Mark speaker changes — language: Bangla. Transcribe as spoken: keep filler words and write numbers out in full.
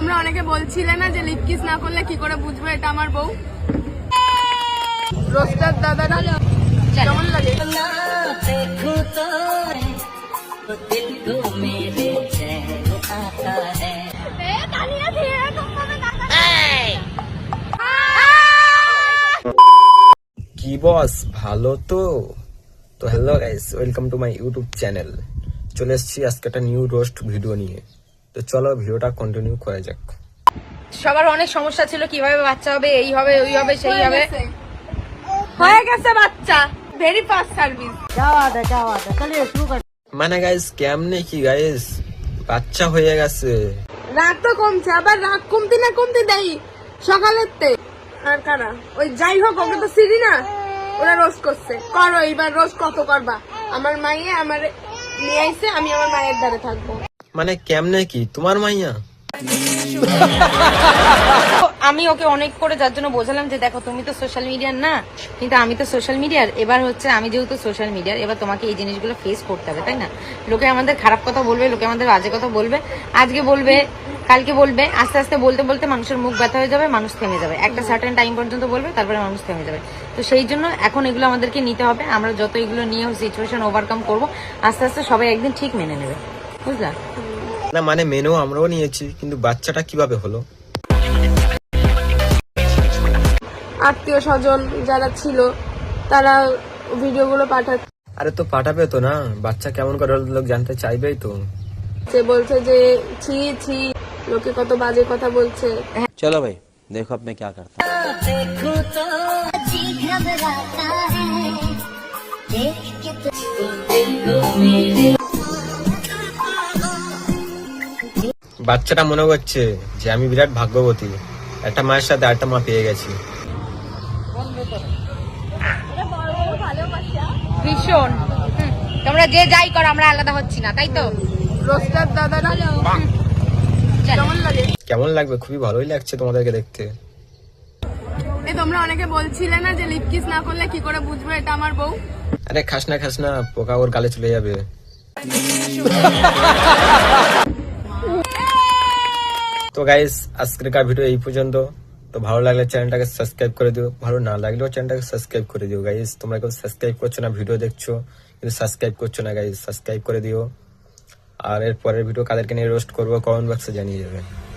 Speaker 1: তোমরা অনেকে বলছিলে না যে লিপ কিস না করলে কি করে বুঝবো এটা আমার বউ। রোস্টার দাদারা কেমন লাগে?
Speaker 2: কি বস ভালো তো? তো hello guys, welcome to my YouTube channel. চলে এসেছি আজকে একটা নিউ রোস্ট ভিডিও নিয়ে। তো চলো ভিডিওটা কন্টিনিউ করা যাক।
Speaker 3: সবার অনেক সমস্যা ছিল, কিভাবে বাচ্চা হবে, এই হবে ওই হবে সেই হবে।
Speaker 1: হয়ে গেছে বাচ্চা, ভেরি ফাস্ট সার্ভিস।
Speaker 2: মানে গাইস কেমনে কি গাইস, বাচ্চা হয়ে গেছে।
Speaker 1: রাগ তো কমছে, আবার রাগ কমতে না কমতে দেই সকালের তে। আর কারা ওই যাই হোক, ওকে তো সিরি না, ওরা রোজ করছে। করো এইবার রোজ কত করবা? আমার মাইয়ে আমার নিয়ে আইছে, আমি আমার মায়ের দ্বারে থাকবো।
Speaker 2: মানে কেমনে কি তোমার মাইয়া?
Speaker 3: আমি ওকে অনেক করে যার জন্য বোঝালাম যে দেখো তুমি তো সোশ্যাল মিডিয়ার না, কিন্তু আমি তো সোশ্যাল মিডিয়ার। এবার হচ্ছে আমি যেহেতু সোশ্যাল মিডিয়ার, এবার তোমাকে এই জিনিসগুলো ফেস করতে হবে, তাই না? লোকে আমাদের খারাপ কথা বলবে, লোকে আমাদের বাজে কথা বলবে, আজকে বলবে কালকে বলবে, আস্তে আস্তে বলতে বলতে মানুষের মুখ ব্যথা হয়ে যাবে, মানুষ থেমে যাবে। একটা সার্টেন টাইম পর্যন্ত বলবে, তারপরে মানুষ থেমে যাবে। তো সেই জন্য এখন এগুলো আমাদেরকে নিতে হবে। আমরা যত এগুলো নিয়ে সিচুয়েশন ওভারকাম করবো, আস্তে আস্তে সবাই একদিন ঠিক মেনে নেবে, বুঝলা?
Speaker 2: না মানে মেনেও আমরাও নিয়েছি, কিন্তু বাচ্চাটা কিভাবে হলো?
Speaker 1: আত্মীয় স্বজন যারা ছিল তারা ভিডিওগুলো পাঠাচ্ছে,
Speaker 2: আরে তো পাঠাবে তো না, বাচ্চা কেমন করে হলো লোক জানতে চাইবেই তো।
Speaker 1: বলছে যে ছি ছি, লোকে কত বাজে কথা বলছে।
Speaker 4: चलो भाई देखो अब मैं क्या करता हूँ।
Speaker 2: বাচ্চাটা মনে করছে যে আমি বিরাট ভাগ্যবতী, একটা মায়ের সাথে আরেকটা মা পেয়ে গেছি।
Speaker 3: ভীষণ। তোমরা যে যাই করো, আমরা আলাদা হচ্ছি না, তাই তো?
Speaker 1: রোস্টার দাদারা কেমন লাগে?
Speaker 2: কেমন লাগবে? খুবই ভালোই লাগছে তোমাদেরকে দেখতে।
Speaker 1: এই তোমরা অনেকে বলছিলে না যে লিপ কিস না করলে কি করে বুঝবো এটা আমার বউ।
Speaker 2: আরে খাস না খাস না, পোকা ওর গালে চলে যাবে। তো গাইস আজকের ভিডিও এই পর্যন্ত। তো ভালো লাগলে চ্যানেলটাকে সাবস্ক্রাইব করে দিও, ভালো না লাগলেও চ্যানেলটাকে সাবস্ক্রাইব করে দিও গাইস। তোমরা কেউ সাবস্ক্রাইব করছো না, ভিডিও দেখছো কিন্তু সাবস্ক্রাইব করছো না গাইস, সাবস্ক্রাইব করে দিও। আর এর পরের ভিডিও কাদেরকে নিয়ে রোস্ট করবো কমেন্ট বক্সে জানিয়ে যাবে।